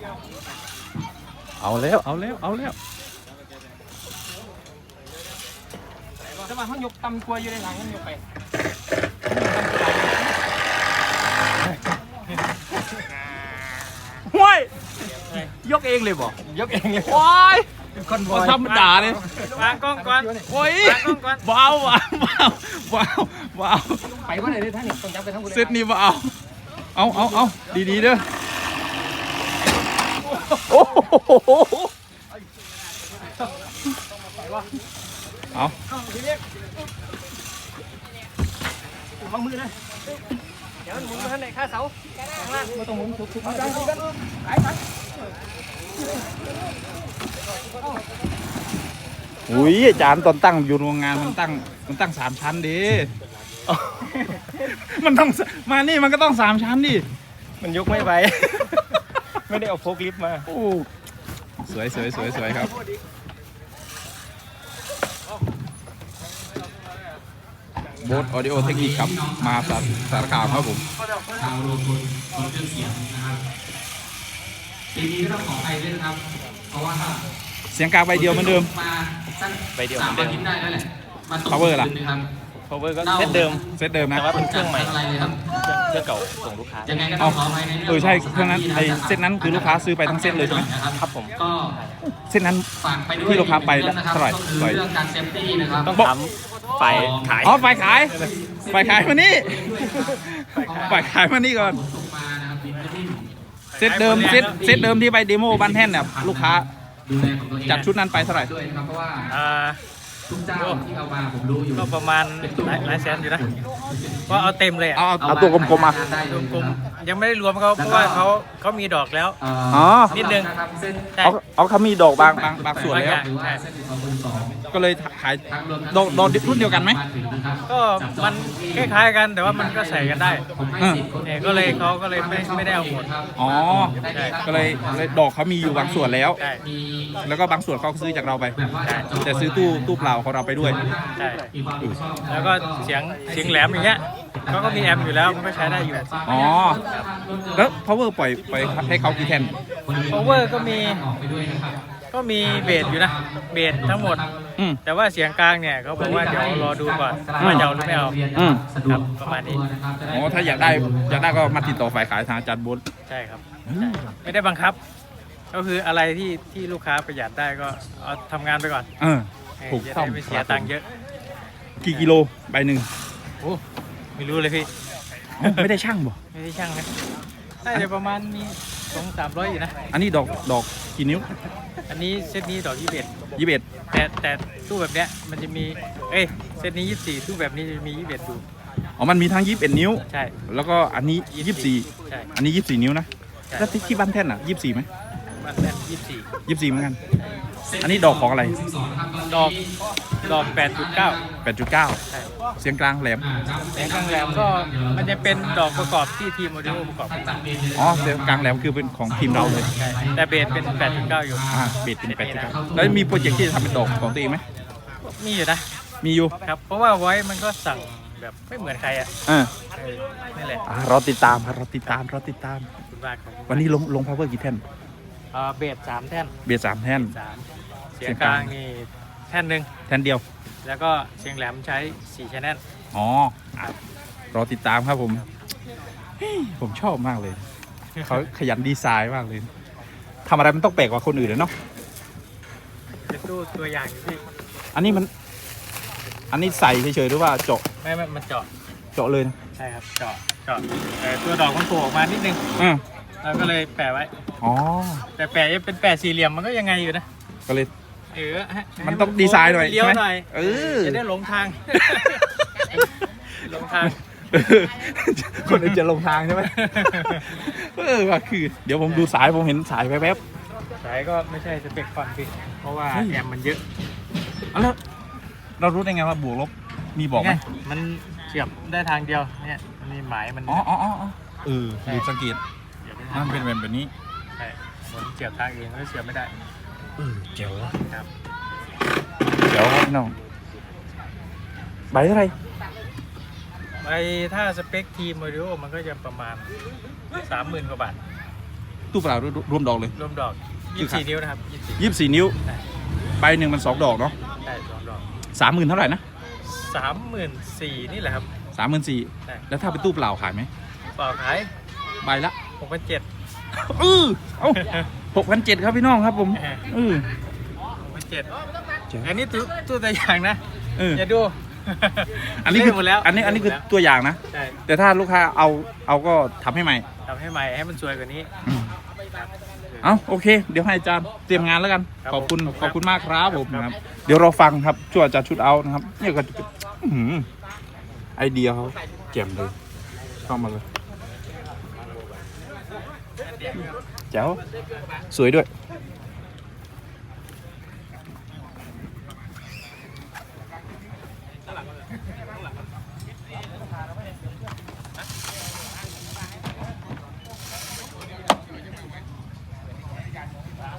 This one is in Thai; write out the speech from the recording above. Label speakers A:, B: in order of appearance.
A: เอาแล้วเอาแล้วเอาแล้ว
B: แต่ว่าเขายกตำกล้วยอยู่ในหลังมันยกไป
A: ห้วยยกเองเลยบ่
B: ยกเองเลย
A: โอ้ย
B: คนบ
A: มา
B: อย
A: ธรรมดาเลย
B: วางกล้องก่อน
A: โอ้ยว
B: างกล้องก่อน
A: เบาเบาเบาเบาเบา
B: ไปว่าไหนดิท่านนี่ต้องจับไปทั้งหมด
A: เซตนี้เบาเอาดีๆเด้อโอ้โหเอา
B: วางมือนะเดี๋ยวหมุนมาท่านไหนข้าเสาข้างล่างมาตรงหมุนถูกๆกันไป
A: อุ้ยอาจารย์ตอนตั้งอยู่โรงงานมันตั้ง3 ชั้นดิมันต้องมานี่มันก็ต้อง3 ชั้นดิ
B: มันยกไม่ไหวไม่ได้เอาโฟกลิฟต์มา
A: โอ้สวยครับโบ๊ทออดิโอเทคนิคครับมาสารคามครับผม
C: ชาวโรงพลคนเครื่องเสียงนะครับปีนี้ก็ต้องขอไปด้วยนะครับ เพราะว่า
A: เสียงกลางใบเดียวเหมือนเดิม
C: มาสัก
B: ใบเดียว
C: 3 อาทิตย์ได้แล้วแหละมาตก
A: Power ล่ะ
C: คืนนะครับ
B: power ก็เซตเดิม
A: เซตเดิมนะ
B: แต่ว่าเป็นเครื่องใหม่
C: อะไรเลยครับ
B: เครื่องเก่าส่งลูกค้า
C: ยังไงก็ต้องขอไปในเรื่อง
A: ใช่เครื่องนั้นไอเซตนั้นคือลูกค้าซื้อไปทั้งเซตเลยใช่ไหม
B: ครับผม
C: ก็
A: เซตนั้น
C: ฝากไปด้วย
A: ที่ลูกค้าไป
C: เรื่องนะครับ
A: เท่าไหร่
C: ก็คือเรื่องการเซฟตี้นะครับ
B: ต้องถามฝ่ายขาย
A: อ๋อฝ่ายขายมานี่ฝ่ายขายมานี่ก่อน
C: ตกมานะครับบินไม่ดิ้น
A: เซตเดิมที่ไปเดโมบ้านแท่นเนี่ยลูกค้า
C: ดูแลของตัวเอง
A: จัดชุดนั้นไปเท่าไหร่
C: ด้วยนะครับเพราะว่า
B: อ่า
C: ทุกเจ้าที่เอามาผมรู้อยู่
B: ก็ประมาณหลายแสนอยู่นะก็เอาเต็มเลยอ่ะ
A: เอาตัวกลมๆมา
B: กลมๆยังไม่ได้รวมเขาเพราะว่าเขามีดอกแล้ว
A: อ๋อ
B: นิดนึง ใช่
A: เอาเขามีดอกบางส่วนแล้ว
B: บางอย่าง
A: ก็เลยขายดอกรุ่นเดียวกันไหม
B: ก็มันคล้ายๆกันแต่ว่ามันก็ใส่กันได้
A: อืม
B: เนี่ยก็เลยเขาก็เลยไม่ได้เอาหมด
A: อ๋อ
B: ใช่
A: ก็เลยดอกเขามีอยู่บางส่วนแล้ว
B: ใช่
A: แล้วก็บางส่วนเขาซื้อจากเราไป แต่ซื้อตู้เปล่าของเราไปด้วย
B: ใช่แล้วก็เสียงแหลมอย่างเงี้ยเขาก็มีแอมอยู่แล้วมันก็ใช้ได้อยู่
A: อ๋อ แล้ว power ปล่อยให้เขากี่แท่น
B: power ก็มีเบสอยู่นะเบสทั้งหมด
A: อืม
B: แต่ว่าเสียงกลางเนี่ยเขาบอกว่าเดี๋ยวรอดูก่อนว่าจะเอาหรือไม่เอา
A: อืม
B: ครับประมาณนี้
A: อ๋อ ถ้าอยากได้ก็มาติดต่อฝ่ายขายทางอาจารย์บุญ
B: ใช่ครับใช่ไม่ได้บังคับ ก็คืออะไรที่ลูกค้าประหยัดได้ก็เอาทำงานไปก่อน
A: ถูก
B: จะ
A: ต้อง
B: ได้ไม่เสียตังค์เยอะ
A: กี่กิโลใบหนึ่ง
B: โอ้ไม่รู้เลยพี่
A: อ๋อไม่ได้ช่างบ่
B: ไม่ได้ช่างนะน่าจะประมาณมี200-300อยู่นะ
A: อันนี้ดอกกี่นิ้ว
B: อันนี้เซตนี้ดอก21
A: 21
B: แต่ตู้แบบเนี้ยมันจะมีเซตนี้24ตู้แบบนี้จะมี21ดู
A: อ๋อ มันมีทั้ง21นิ้ว
B: ใช่
A: แล้วก็อันนี้
B: ใช่
A: 24 อันนี้24นิ้วนะ
B: ใช่
A: แล้วที่บ้านแท่นอ่ะ24ไหม
B: มันแน่น
A: 24
B: 24
A: เหมือนกัน อันนี้ดอกของอะไร
B: ดอก 8.9
A: 8.9
B: ใช่
A: เสียงกลางแหลม
B: แสงกลางแหลมก็มันจะเป็นดอกประกอบที่ทีมโมเดลประกอบขึ้นมา
A: อ๋อ เสียงกลางแหลมคือเป็นของทีมเราเลย
B: ใช่แต่เบสเป็น 8.9 อยู่
A: เบสเป็น8.9แล้วมีโปรเจกต์ที่จะทำเป็นดอกของตัวเองไหม
B: มีอยู่นะ
A: มีอยู่
B: ครับ เพราะว่าไว้มันก็สั่งแบบไม่เหมือนใครอ่ะ
A: อ่า
B: นี่แหละ
A: รอติดตามครับรอติดตาม
B: ขอบคุณมากครับ
A: วันนี้ลง power กี่แท่น
B: เบส3 แท่น
A: เบส3แท่น
B: เสียงกลางนี่แท่นหนึ่ง
A: แท่นเดียว
B: แล้วก็เสียงแหลมใช้4 channel
A: อ๋อรอติดตามครับผมเฮ้ยผมชอบมากเลย เขาขยันดีไซน์มากเลยทำอะไรมันต้องแปลกกว่าคนอื่นเลยเนาะ
B: เป็นตู้ตัวอย่างอยู่พี่
A: อันนี้ใส่เฉยๆหรือว่าเจาะ
B: ไม่มันเจาะ
A: เลยนะ
B: ใช่ครับเจาะแต่ตัวดอกมันโผล่ออกมานิดนึง
A: อืม
B: แล้วก็เลยแปะไว้
A: อ๋อ
B: แต่แปะยังเป็นแปะสี่เหลี่ยมมันก็ยังไงอยู่นะ
A: ก็เลย
B: ให้
A: มันต้องดีไซน์หน่อย
B: เลี้ยว
A: ใช่ไหม
B: หน่อย
A: เออ
B: จะได้หลงทาง หลงทาง
A: คนอื่นจะลงทางใช่ไหมว่าคือ เดี๋ยวผมดูสายผมเห็นสายแวบ
B: สายก็ไม่ใช่สเปคฟันพี่เพราะว่า
A: เฮ้ย
B: แอมมันเยอะ
A: ๆแล้วเรารู้ได้ไงว่าบวกลบมีบอกไหม
B: ไงมันเสียบได้ทางเดียวเนี่ยมันมีหมายมัน
A: อ๋อดูสังเกต
B: เสียบได้
A: มั
B: ทาง
A: นเป็นแบบนี้
B: ใช่ผมเสียบทางเองก็เสียบไม่ได้
A: เจ๋ว
B: ครับ
A: เจ๋วครับน้องใบเท่าไหร
B: ถ้าสเปคทีมโมเดลมันก็จะประมาณ 30,000 กว่าบาท
A: ตู้เปล่ารวมดอกเลย
B: รวมดอก24นิ้วนะครับ
A: 24 นิ้วใบหนึ่งมัน2 ดอกเนาะ
B: ได้2 ดอก
A: 30,000เท่าไหร่นะ
B: 34,000นี่แหละครับ
A: 34,000
B: ได้
A: แล้วถ้าเป็นตู้เปล่าขายไหม
B: เปล่าขาย
A: ใบละ
B: 6,700
A: เอ้า6,700ครับพี่น้องครับผม
B: 6,700อันนี้ตู้ตัวอย่างนะอย่าดู
A: อันนี้คือ
B: หมดแล้ว
A: อันนี้คือตัวอย่างนะ
B: ใช่
A: แต่ถ้าลูกค้าเอาก็ทำให้ใหม่
B: ทำให้ใหม่ให้มันสวยกว่านี้
A: เอาโอเค เดี๋ยวให้อาจารย์เตรียมงานแล้วกัน
B: ครับ
A: ขอบคุณ
B: ผม
A: ขอบคุณมากครับผม
B: ครับ
A: นะครับ เดี๋ยวเราฟังครับช่วยอาจารย์ชุดเอานะครับเนี่ยก็จะเป็นไอเดียเขาแจ่มเลยเข้ามาเลยแจ๋วสวยด้วย